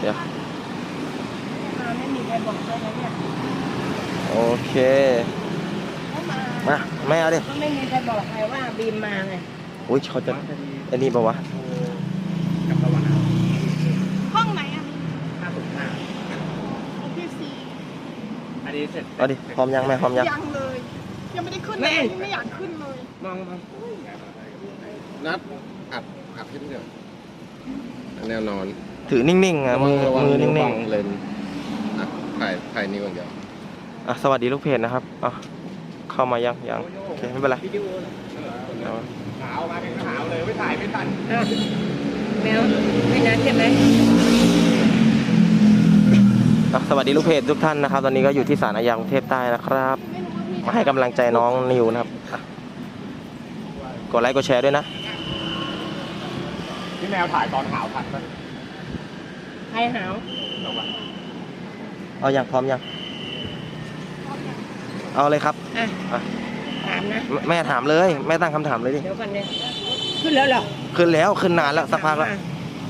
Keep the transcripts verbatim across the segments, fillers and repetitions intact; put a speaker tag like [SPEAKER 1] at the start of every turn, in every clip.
[SPEAKER 1] ดี๋ยว
[SPEAKER 2] ไม่มีใครบอกเลยนะเนี่ย
[SPEAKER 1] โอเคมาไม่เอาดิ
[SPEAKER 2] ก็ไม่มีใครบอกใครว่าบีมมาไง
[SPEAKER 1] อุ้ยเขาจะไอ้นี่ปะวะ
[SPEAKER 3] กับตะวัน
[SPEAKER 2] ห้องไหนอ่ะ
[SPEAKER 3] ห้าสิบห้า
[SPEAKER 2] ของพี่ซี
[SPEAKER 3] อันนี้เสร็จ
[SPEAKER 1] เอาดิพร้อมยังแม่พร้อมยัง
[SPEAKER 2] ยังเลยยังไม่ได้ขึ้นเลยไม่อยากขึ้นเลย
[SPEAKER 3] มองมองนัดอัดอัดขึ้นเถอะแนวนอน
[SPEAKER 1] ถือนิ่งๆอ่ะมือมือนิ่ง
[SPEAKER 3] ๆเลนถ่ายถ่ายนิ้วอย่างเดียว
[SPEAKER 1] อ่ะสวัสดีลูกเพจนะครับอ่ะเข้ามายังยังโอเคไม่เป็นไร
[SPEAKER 3] ขาวมาเป็นขาวเลยไม่ถ่ายไม่ทัน
[SPEAKER 2] แมวไม่นัดใช่ไหม
[SPEAKER 1] สวัสดีลูกเพจทุกท่านนะครับตอนนี้ก็อยู่ที่ศาลอาญากรุงเทพใต้นะครับมาให้กำลังใจน้องนิวนะครับกดไลค์กดแชร์ด้วยนะ
[SPEAKER 3] พี่แมวถ่ายตอนหาวทันไหม
[SPEAKER 2] ใครหาว
[SPEAKER 1] เอาอย่างพร้อมยังเอาเลยครับ
[SPEAKER 2] อ่ะถามนะ
[SPEAKER 1] แม่ถามเลยแม่ตั้งคำถามเลยดิ
[SPEAKER 2] เดี๋ยวกันเนี่ยขึ้นแล้วเหรอ
[SPEAKER 1] ขึ้นแล้วขึ้นนานแล้วสักพักแล้ว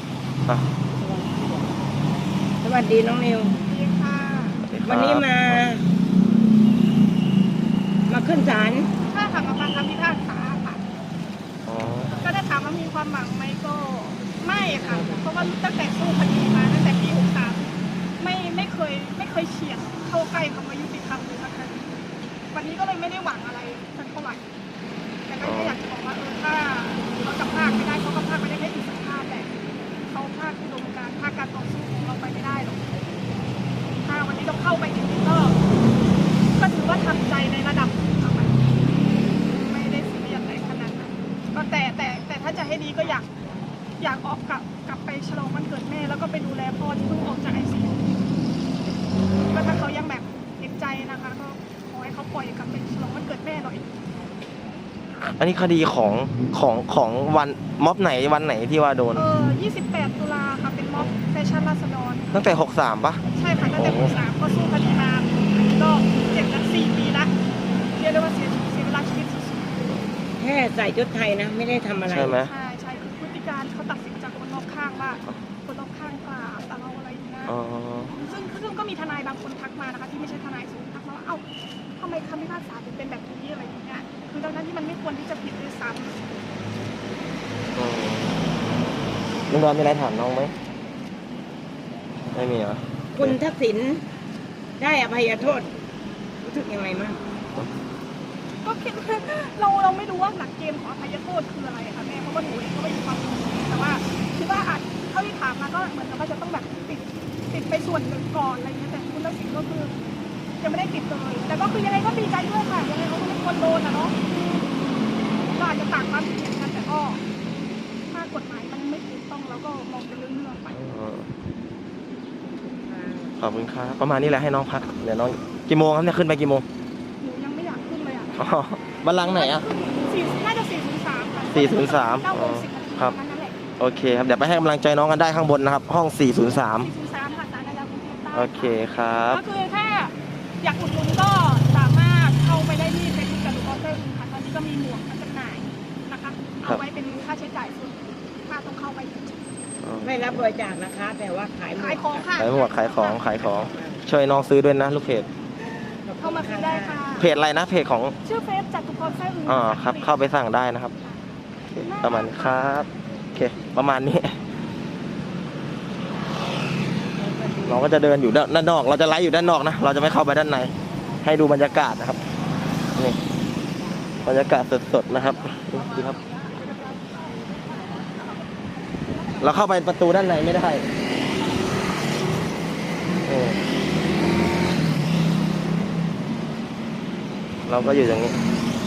[SPEAKER 2] สวัสดีน้องนิววันนี้มามาขึ้นศาล
[SPEAKER 4] ใช่ค่ะมาฟังคำพิพากษาค่ะก็ได้ถามว่ามีความหวังไหมก็ไม่ค่ะเพราะว่าตั้งแต่สู้คดีมาตั้งแต่ปีหกสามไม่ไม่เคยไม่เคยเฉียดเข้าใกล้คำว่ายุติธรรมเลยสักครั้งวันนี้ก็เลยไม่ได้หวังอะไรสักเท่าไหร่แต่ก็อยากจะบอกว่าเออถ้าเขาจะพากไม่ได้เขาก็พากไม่ได้แค่อิสรภาพแต่เขาพากอุดมการณ์พากการต่อสู้ของเราไปไม่ได้หรอกถ้าวันนี้ต้องเข้าไปจริงๆก็ก็ถือว่าทำใจในระดับไม่ได้ซีเรียสอะไรขนาดนั้นก็แต่แต่แต่ถ้าจะให้ดีก็อยากอยากออกกลับกลับไปฉลองวันเกิดแม่แล้วก็ไปดูแลพ่อที่เพิ่งออกจากไอซียูก็ถ้าเขายังแบบเห็นใจนะคะก็ขอให้เขาปล่อยกลับไปฉลองวันเกิดแม่หน่อย
[SPEAKER 1] อันนี้คดีของของของวันม็อบไหนวันไหนที่ว่าโดน
[SPEAKER 4] เออยี่สิบแปดตุลาค่ะเป็นม็อบแฟชั่นราษฎร
[SPEAKER 1] ตั้งแต่หกสามปะ
[SPEAKER 4] ใช่ค่ะตั้งแต่หกสามก็สู้คดีมาก็เจ็บกันสี่ปีละเรียกได้ว่าเสียเสียเวลาชีวิตสุด
[SPEAKER 2] ๆแค่ใส่ชุดไทยนะไม่ได้ทำอะไร
[SPEAKER 1] ใช่ไหม
[SPEAKER 4] ใช่ใช่คือพฤติการเขาตัดสินจากคนรอบข้างว่าคนรอบข้างกล่าวแต่เราอะไรอย่างเงี้ยซึ่งซึ่งก็มีทนายบางคนทักมานะคะที่ไม่ใช่ทนายสูงทักมาว่าเอ้าทำไมคำพิพากษาถึงเป็นแบบนี้อะไรอย่างเงี้ยคือดังนั้นที่มันไม่ควรที่จะผิดด้วยซ้ำ
[SPEAKER 1] ลุงดอนมีอะไรถามน้องไหมไม่มีเหรอ
[SPEAKER 2] คุณทักษิณได้อภัยโทษรู้สึกยังไงบ้าง
[SPEAKER 4] ก็คิดเราเราไม่รู้ว่าหลักเกณฑ์ของอภัยโทษคืออะไรค่ะแม่เพราะว่าหนูเองก็ไม่มีความรู้แต่ว่าคิดว่าอาจเท่าที่ถามมาก็เหมือนกับว่าจะต้องแบบติดติดไปส่วนหนึ่งก่อนอะไรเงี้ยแต่คุณทักษิณก็คือยังไม่ได้ติดเลยแต่ก็คือยังไงก็ดีใจด้วยค่ะยังไงเขาก็ไม่ควรโดนอ่ะเนาะก็อาจจะต่างความคิดเห็นกันแต่ก็ถ้ากฎหมายมันไม่ถูกต้องแล้วก็มองเป็นเรื่องๆไป
[SPEAKER 1] ขอบคุณครับประมาณนี้แหละให้น้องพักเดี๋ยวน้องกี่โมงครับเนี่ยขึ้นไปกี่โมง
[SPEAKER 4] หนูยังไม่อยากขึ้นเลยอ่ะ
[SPEAKER 1] บัลลังก์ไหนอ่ะ
[SPEAKER 4] สี่น่าจะสี่ศูนย์สามค่ะ
[SPEAKER 1] สี่ศูนย์สามครับโอเคครับเดี๋ยวไปให้กำลังใจน้องกันได้ข้างบนนะครับห้องสี่ศูนย์สาม
[SPEAKER 4] สี่ศูนย์สามค่ะศาลอาญากรุงเทพใต้
[SPEAKER 1] โอเคครับ
[SPEAKER 4] ก็คือถ้าอยากอุดหนุนก็สามารถเข้าไปได้ที่เฟซบุ๊กกับลูกบอลเตอร์ค่ะตอนนี้ก็มีหมวกมาจำหน่ายนะคะเอาไว้เป็นค่าใช้จ่ายส่วนค่าต้องเข้าไป
[SPEAKER 2] ไม่รับบริจาคนะคะแต่ว่าขาย
[SPEAKER 4] ขายของค่ะ
[SPEAKER 1] ขายหมวกขายของขายของช่วยน้องซื้อด้วยนะลูกเพจ
[SPEAKER 4] เข้ามาซื้อได้ค่ะ
[SPEAKER 1] เพจอะไรนะเพจของ
[SPEAKER 4] ชื่อเฟซจัตุพรไส้อึ่ง
[SPEAKER 1] อ๋อครับเข้าไปสั่งได้นะครับประมาณครับโอเคประมาณนี้เราก็จะเดินอยู่ด้านนอกเราจะไลฟ์อยู่ด้านนอกนะเราจะไม่เข้าไปด้านในให้ดูบรรยากาศนะครับนี่บรรยากาศสดๆนะครับดูครับเราเข้าไปประตูด้านในไม่ได้เราก็อยู่อย่างนี้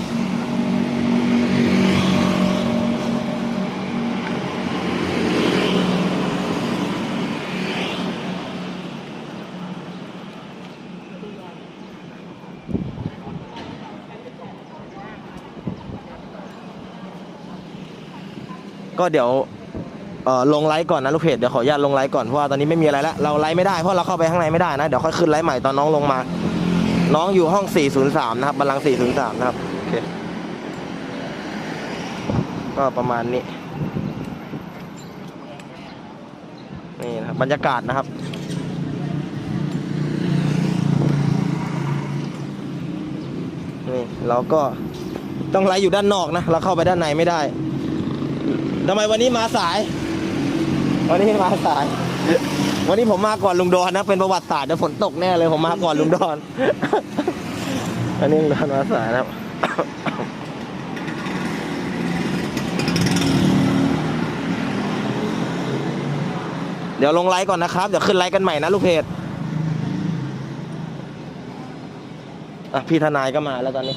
[SPEAKER 1] ก็เดี๋ยวเอ่อลงไลฟ์ก่อนนะลูกเพจเดี๋ยวขออนุญาตลงไลฟ์ก่อนเพราะว่าตอนนี้ไม่มีอะไรแล้วเราไลฟ์ไม่ได้เพราะเราเข้าไปข้างในไม่ได้นะเดี๋ยวค่อยขึ้นไลฟ์ใหม่ตอนน้องลงมาน้องอยู่ห้องสี่ศูนย์สามนะครับบัลลังก์สี่ศูนย์สามนะครับโอเคก็ประมาณนี้นี่นะครับบรรยากาศนะครับนี่เราก็ต้องไลฟ์อยู่ด้านนอกนะเราเข้าไปด้านในไม่ได้ทำไมวันนี้มาสาย วันนี้มาสาย วันนี้ผมมาก่อนลุงดอนนะเป็นประวัติศาสตร์เดี๋ยวฝนตกแน่เลยผมมาก่อนลุงดอน อันนี้ลุงดอนมาสายนะครับ เดี๋ยวลงไลฟ์ก่อนนะครับเดี๋ยวขึ้นไลฟ์กันใหม่นะลูกเพจอ่ะพี่ทนายก็มาแล้วตอนนี้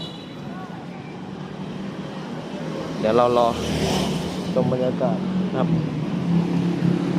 [SPEAKER 1] เดี๋ยวเรารอชมบรรยากาศครับ